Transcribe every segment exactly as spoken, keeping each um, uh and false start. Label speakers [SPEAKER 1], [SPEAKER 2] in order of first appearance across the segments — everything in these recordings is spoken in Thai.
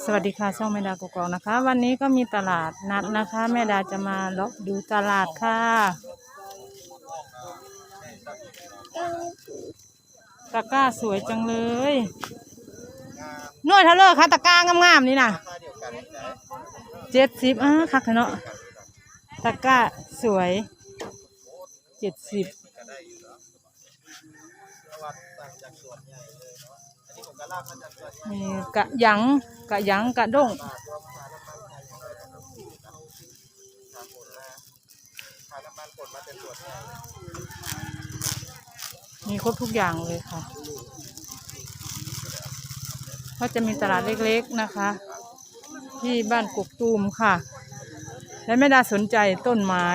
[SPEAKER 1] สวัสดีค่ะช่องแม่ดากกอกนะคะวันนี้ก็มีตลาดนัดนะคะแม่ดาจะมาเลาะดูตลาดค่ะตะกร้าสวยจังเลยนวดเท่าเลยค่ะตะกร้างามๆนี่นะเจ็ดสิบอ่ะคักเนาะตะกร้าสวยเจ็ดสิบมีกะหยังกะหยังกะด้งมีครบทุกอย่างเลยค่ะก็จะมีตลาดเล็กๆนะคะที่บ้านกกตูมค่ะและแม่ดาสนใจต้นไม้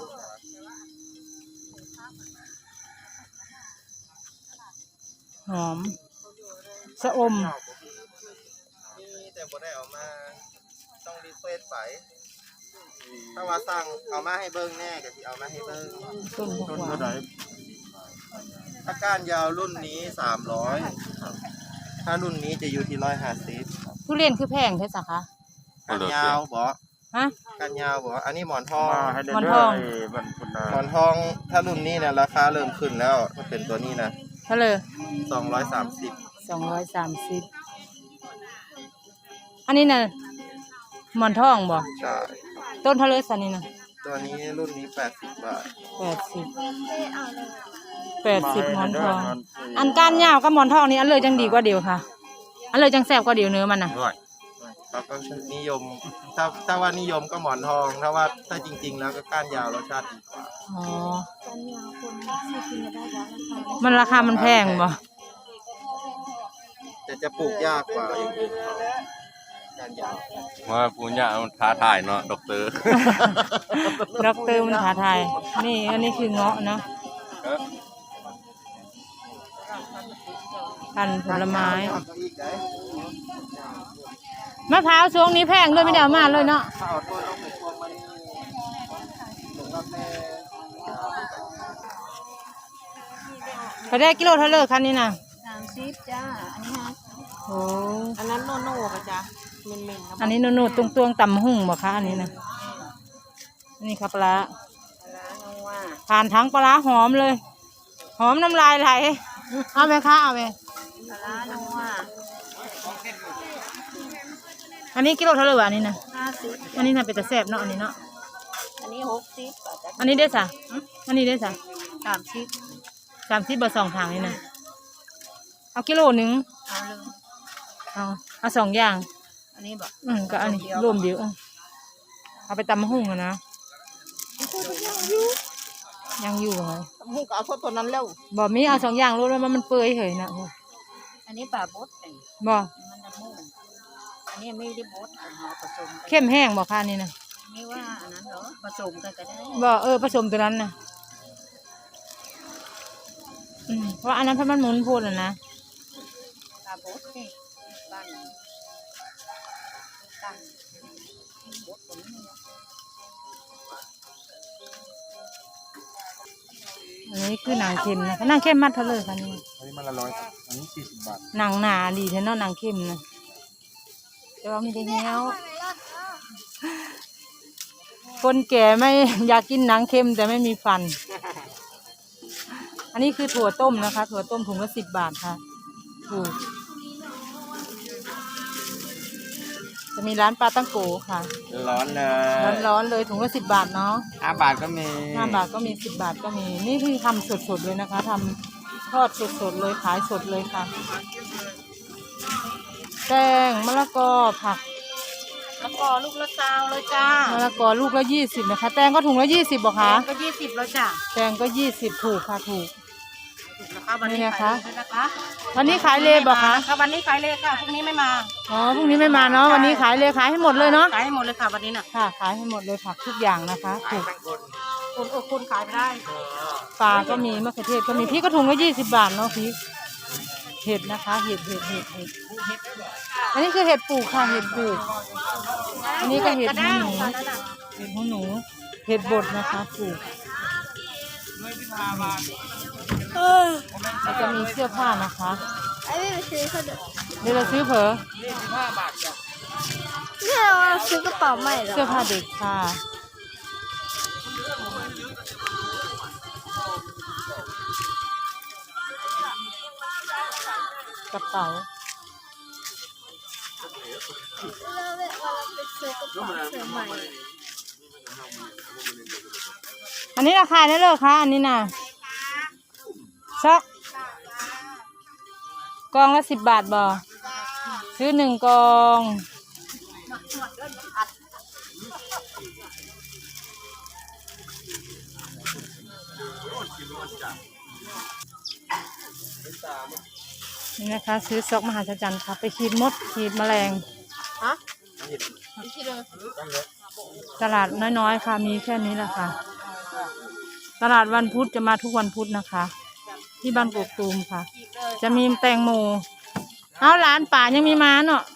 [SPEAKER 1] หอมสะอม
[SPEAKER 2] แต่บ่ได้เอามาต้องรีเควสไปถ้าว่าสั่งเอามาให้เบิ้งแน่ก็สิเอามาให้เบิ้ง
[SPEAKER 1] ต้นต้นเท่าไหร่
[SPEAKER 2] ถ้าก้านยาวรุ่นนี้สามร้อยถ้ารุ่นนี้จะอยู่ที่ร้อยห้าสิบ
[SPEAKER 1] ทุเรียนคือแพงใช่ไหมคะ
[SPEAKER 2] ก้านยาวบ่
[SPEAKER 1] ฮะ
[SPEAKER 2] ก้านยาวบ่อันนี้หมอนทอง
[SPEAKER 1] หมอนทอง
[SPEAKER 2] หมอนทองถ้ารุ่นนี้เนี่ยราคาเริ่มขึ้นแล้วถ้าเป็นตัวนี้นะ
[SPEAKER 1] เท่าไหร่
[SPEAKER 2] สองร้อยสามสิบ
[SPEAKER 1] สองร้อยสามสิบอันนี้น่ะหมอนทองบ่
[SPEAKER 2] ใช่
[SPEAKER 1] ต้นเท่าไหร่สันนี่นะ
[SPEAKER 2] ตัวนี้รุ่นนี้แปดสิบบาท
[SPEAKER 1] แปดสิบแปดสิบหมอนทองอันก้านยาวกับหมอนทองนี่อันเลยจังดีกว่าเดียวค่ะอันเลยจังแซ่บกว่าเดียวเนื้อมันน่ะ
[SPEAKER 2] เขาก็นิยมถ้าถ้าว่านิยมก็หมอนทองถ้าว่าถ้าจริงๆแล้วก็ก้านยาวรสชาติดีกว่า
[SPEAKER 1] อ๋อมันราคามันแพงบ่
[SPEAKER 2] แต่จะปลูกยากกว่าอย่างอื่นก้านยาว
[SPEAKER 3] ว่าปลูกยากมันท้าทายเนาะด็อกเตอร์
[SPEAKER 1] ด็อกเตอร์มันท้าทายนี่อันนี้คือเงาะเนาะพันผลไม้มะพร้าวช่วงนี้แพงด้วยไม่ได้เอามาเลยเนาะเขาได้กิโลเท่าไหร่คันนี้นะ
[SPEAKER 4] สามสิบจ้าอันนี้ฮะ
[SPEAKER 1] โอ้
[SPEAKER 4] อันนั้นโนโน่กะจ้าเมนเมน
[SPEAKER 1] อันนี้โนโน่ตรงตวงต่ำหุ่งบ่คะอันนี้นะนี่ครับปลาผ่านทั้งปลาหอมเลยหอมน้ำลายไหลเอาไหมคะเอาไหม
[SPEAKER 4] ปลาน้ำว่า
[SPEAKER 1] อันนี้กิโลเท่าไหร่วะอันนี้นะ
[SPEAKER 4] ห้าสิบ
[SPEAKER 1] อันนี้น่ะเป็นตะแซ่บเนาะอันนี้เนาะ
[SPEAKER 4] อันนี้หกสิบ
[SPEAKER 1] อันนี้ได้สะอันนี้ได้สะ
[SPEAKER 4] สามสิบ
[SPEAKER 1] สามสิบบาทสองทางนี่นะเอากิโลหนึ่ง
[SPEAKER 4] เอาเลย
[SPEAKER 1] เอาเอาสองอย่าง
[SPEAKER 4] อันนี้บอก
[SPEAKER 1] อืมก็อันนี้รวมเดียวเอาไปตำมะฮุ่งนะยังอยู่ไง
[SPEAKER 4] ตำหูก็เอาพวกตัวนั้นแล้ว
[SPEAKER 1] บ่มีเอาสองอย่างรู้แล้วมันเปื่อยเหยนะ
[SPEAKER 4] อันนี้ปลาบด
[SPEAKER 1] บ่
[SPEAKER 4] มันจะมุ่งอันนี้ไม่ได้บดเอาผสม
[SPEAKER 1] เข้มแห้งบ่ค่ะนี่นะ
[SPEAKER 4] ไม่ว่าอันนั้นเหรอผสมกันก็ได้
[SPEAKER 1] บ่เออผสมตัวนั้นนะอืมเพราะอันนั้นเพราะมันหมุนพูดนะ
[SPEAKER 4] ปลาบดนี่บ้านตั้งบดตรงนี้
[SPEAKER 1] อันนี้คือหนังเค็มนะหนังเค็มมัดเท่าเลยค่ะนี่
[SPEAKER 2] อันนี้มันละร้อยอันนี้สี่สิบบาท
[SPEAKER 1] หนังหนาดีแท้เนาะหนังเค็มนะแต่ว่าไม่ได้เหี้ยวคนแก่ไม่อยากกินหนังเค็มแต่ไม่มีฟันอันนี้คือถั่วต้มนะคะถั่วต้มถุงละสิบบาทค่ะถูกจะมีร้านปลาตั้งโกค่ะ
[SPEAKER 2] ร้อนเลย
[SPEAKER 1] ร้อนร้อนเลยถุงละสิบบาทเนาะ
[SPEAKER 2] ห้าบาทก็มี
[SPEAKER 1] ห้าบาทก็มีสิบบาทก็มีนี่คือทำสดๆเลยนะคะทำทอดสดๆเลยขายสดเลยค่ะแตงมะละกอผัก
[SPEAKER 4] มะละกอลูกละซาวเลยจ้าม
[SPEAKER 1] ะละกอลูกละยี่สิบนะคะแตงก็ถุงละยี่สิบบ่คะ
[SPEAKER 4] ก็ยี่สิบแล้วจ้า
[SPEAKER 1] แตงก็ยี่สิบถูกค่ะถูก
[SPEAKER 4] วันนี้นะคะ
[SPEAKER 1] วันนี้ขายเลยบ่คะ
[SPEAKER 4] วันนี้ขายเลยค่ะพรุ่งนี้ไม่มา
[SPEAKER 1] อ๋อพรุ่งนี้ไม่มาเนาะวันนี้ขายเลยขายให้หมดเลยเนาะ
[SPEAKER 4] ขายให้หมดเลยค่ะวันนี้น่ะ
[SPEAKER 1] ค่ะขายให้หมดเลยผักทุกอย่างนะคะถูก
[SPEAKER 4] คนอดคนขายไม่ได้
[SPEAKER 1] ปลาก็มีมะเขือเทศก็มีพริกก็ถุงละยี่สิบบาทเนาะพริกเห็ดนะคะเห็ดเห็ดเห็ดเห็ดอันนี้คือเห็ดปลูกค่ะเห็ดปลูกอันนี้ก็เห็ดหูหนูเห็ดหูหนูเห็ดบดนะคะปลูกเราจะมีเสื้อผ้านะคะเดี๋ยวเราซื้อเผอ
[SPEAKER 4] ซื้อกระเป๋าใหม่เหรอ
[SPEAKER 1] เสื้อผ้าเด็กค่ะ กระเป๋า
[SPEAKER 4] แล้วเวลาเราไปซื้อกระเป๋าเสื้อใหม่
[SPEAKER 1] อันนี้ราคาเท่าไหร่คะอันนี้น่ะช็อกกองละสิบบาทบ่ซื้อหนึ่งกองนี่นะคะ ซื้อซอกมหาจรรย์ค่ะ ไปขีดมดขีดแมลง
[SPEAKER 4] ฮะ
[SPEAKER 1] ตลาดน้อยๆค่ะ มีแค่นี้แหละค่ะ ตลาดวันพุธจะมาทุกวันพุธนะคะ ที่บ้านกกตูมค่ะ จะมีแตงโมเอาร้านป่ายังมีมาเนาะ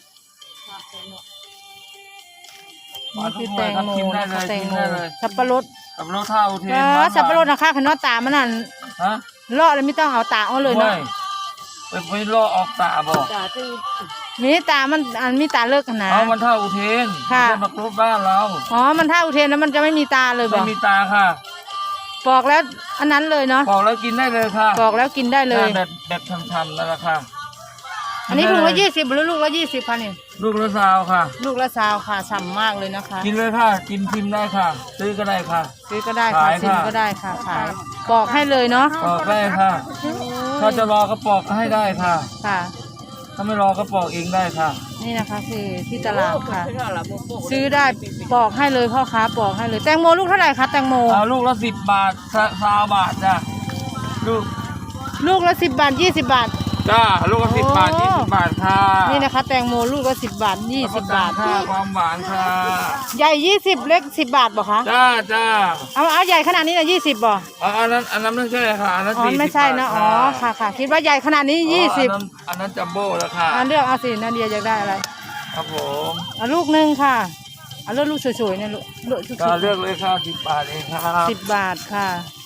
[SPEAKER 1] นี่คือแตงโมนะคะแตงโมสับปะรด
[SPEAKER 5] สับปะรดเท่าเท
[SPEAKER 1] เออสับปะรดนะคะขนมตามันนั่น
[SPEAKER 5] ฮะ
[SPEAKER 1] เลาะเลยไม่ต้องเอาตาเอาเลยเนาะ
[SPEAKER 5] ไปไปลอกออกตาบอก
[SPEAKER 4] จ่าที่
[SPEAKER 1] มีตามันอันมีตาเลิกกันนะ
[SPEAKER 5] เอามันเท่าอุเทน
[SPEAKER 1] ค่ะ
[SPEAKER 5] ไม่ใช่มากรบบ้านเรา
[SPEAKER 1] อ๋อมันถ้าอุเทนแล้วมันจะไม่มีตาเลยบ
[SPEAKER 5] ไม่
[SPEAKER 1] อก
[SPEAKER 5] มีตาค่ะ
[SPEAKER 1] ปอกแล้วอันนั้นเลยเนาะ
[SPEAKER 5] ปอกแล้วกินได้เลยค่ะ
[SPEAKER 1] ปอกแล้วกินได้เลย
[SPEAKER 5] แบบแบบทำๆนั่นแหละค่ะ
[SPEAKER 1] อันนี้ถุงละยี่สิบหรือลูกละยี่สิบคะเนี่ย
[SPEAKER 5] ลูกละซาวค่ะ
[SPEAKER 1] ลูกละซาวค่ะฉ่ำมากเลยนะคะ
[SPEAKER 5] กินเลยค่ะ กินชิมได้ค่ะ ซื้อก็ได้ค่ะ
[SPEAKER 1] ซื้อก็ได้ค่ะ
[SPEAKER 5] ขาย
[SPEAKER 1] ซิม
[SPEAKER 5] ค่ะ
[SPEAKER 1] ก็ได้ค่ะขายปอกให้เลยเนาะ
[SPEAKER 5] ปอกได้ค่ะ ถ้าจะรอก็ปอกให้ได้ค่ะ
[SPEAKER 1] ค่ะ
[SPEAKER 5] ถ้าไม่รอก็ปอกเองได้ค่ะ
[SPEAKER 1] นี่นะคะคือที่ตลาดค่ะ ซื้อได้ปอกให้เลยพ่อค้าปอกให้เลยแตงโมลูกเท่าไหร่คะแตงโม
[SPEAKER 5] เอาลูกละสิบบาทซาซาวบาทจ้ะลูก
[SPEAKER 1] ลูกละสิบบาทยี่สิบบาท
[SPEAKER 5] จ้าลูกละสิบบาท
[SPEAKER 1] โอ้
[SPEAKER 5] ยี่สิบบาทค่ะ
[SPEAKER 1] นี่นะคะ แตงโมลูกละสิบบาทยี่สิบบาท
[SPEAKER 5] ค่ะความหวานค่ะ
[SPEAKER 1] ใหญ่ยี่สิบเล็กสิบบาทบอกคะ
[SPEAKER 5] จ้าจ้า
[SPEAKER 1] เอาเอาใหญ่ขนาดนี้นะยี่สิบบ่
[SPEAKER 5] อ๋ออันนั้นอันนั้นไม่ใช่ค่ะอันนั้น
[SPEAKER 1] อ๋อ
[SPEAKER 5] สี่สิบ
[SPEAKER 1] ไม่ใช่นะ
[SPEAKER 5] บาท
[SPEAKER 1] อ๋อค่ะค่ะคิดว่าใหญ่ขนาดนี้ยี่สิบ
[SPEAKER 5] อ๋ออันนั้นอันนั้นจัมโบ้แล้วค่ะ
[SPEAKER 1] อันเลือกเอาสินาเดียอยากได้อะไร
[SPEAKER 5] ครับผม
[SPEAKER 1] เอาลูกหนึ่งค่ะเอาเลือกลูกสวยๆเนี่ยลูกลูกสวย
[SPEAKER 5] ก็เลือกเลยค่ะสิบบาทเองครับ
[SPEAKER 1] สิบบาทค่ะ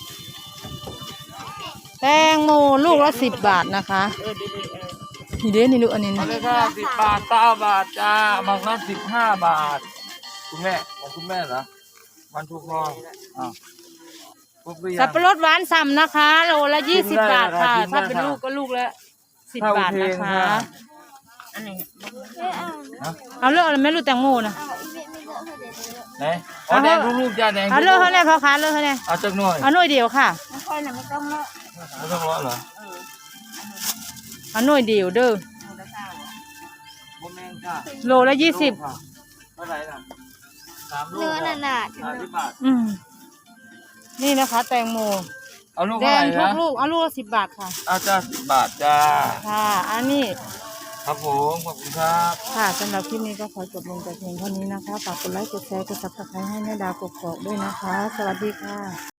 [SPEAKER 1] แตงโมลูกละสิบบาทนะคะนี่เด้นี่ลูกอันนี้
[SPEAKER 5] เอา
[SPEAKER 1] นะ
[SPEAKER 5] เลยค่ะสิบบาทเก้าบาทจ้าบางนั้นสิบห้าบาท คุณแม่ของคุณแม่เหรอวันทุกพองอ้าวครบหรือยัง
[SPEAKER 1] สับปะรดหวานฉ่ำนะคะโลละยี่สิบบาทค่ะ
[SPEAKER 5] กินได้
[SPEAKER 1] ถ้าเป็น
[SPEAKER 5] ค่ะ
[SPEAKER 1] ลูกก็ลูกละสิบบาทนะคะ
[SPEAKER 4] อันนี้
[SPEAKER 5] ฮะ
[SPEAKER 1] เอาเลือกอะไรไม่รู้แตงโมนะ
[SPEAKER 5] ไหนอ๋อแดงลูกๆจ้าแดง
[SPEAKER 1] เอาเลือกเขาเนี่ยพ่อค้าเลือกเขาเนี่ย
[SPEAKER 5] เอาจักหน่อย
[SPEAKER 1] เอาหน่วยเดียวค่ะ
[SPEAKER 4] ไม่ค่อยนะไม่ต้องเลาะ
[SPEAKER 5] ไม่ต้องรอเหรอ
[SPEAKER 1] เอาหน่วยเดียวเด้อ
[SPEAKER 5] โมแมงค่ะ
[SPEAKER 1] โลละยี่สิบ
[SPEAKER 5] ค่ะเท่าไหร่ล่ะสามลูก
[SPEAKER 4] เนื้อหนา
[SPEAKER 5] สามสิบบาท
[SPEAKER 1] อืมนี่นะคะ แตงโม
[SPEAKER 5] เอาลูก
[SPEAKER 1] แด
[SPEAKER 5] เท่าไห
[SPEAKER 1] ง
[SPEAKER 5] ร่
[SPEAKER 1] ทุก
[SPEAKER 5] นะ
[SPEAKER 1] ลูกเอาลูกละสิบบาทค่ะ
[SPEAKER 5] เอาจ้าสิบบาทจ้า
[SPEAKER 1] ค่ะ อันนี้
[SPEAKER 5] ครับผมขอบคุณครับ
[SPEAKER 1] ค่ะสำหรับคลิปนี้ก็ขอจบลงแต่เพียงเท่านี้นะคะฝากกดไลค์กดแชร์กดซับสไครต์ให้แม่ดาวกดกอกด้วยนะคะ สวัสดีค่ะ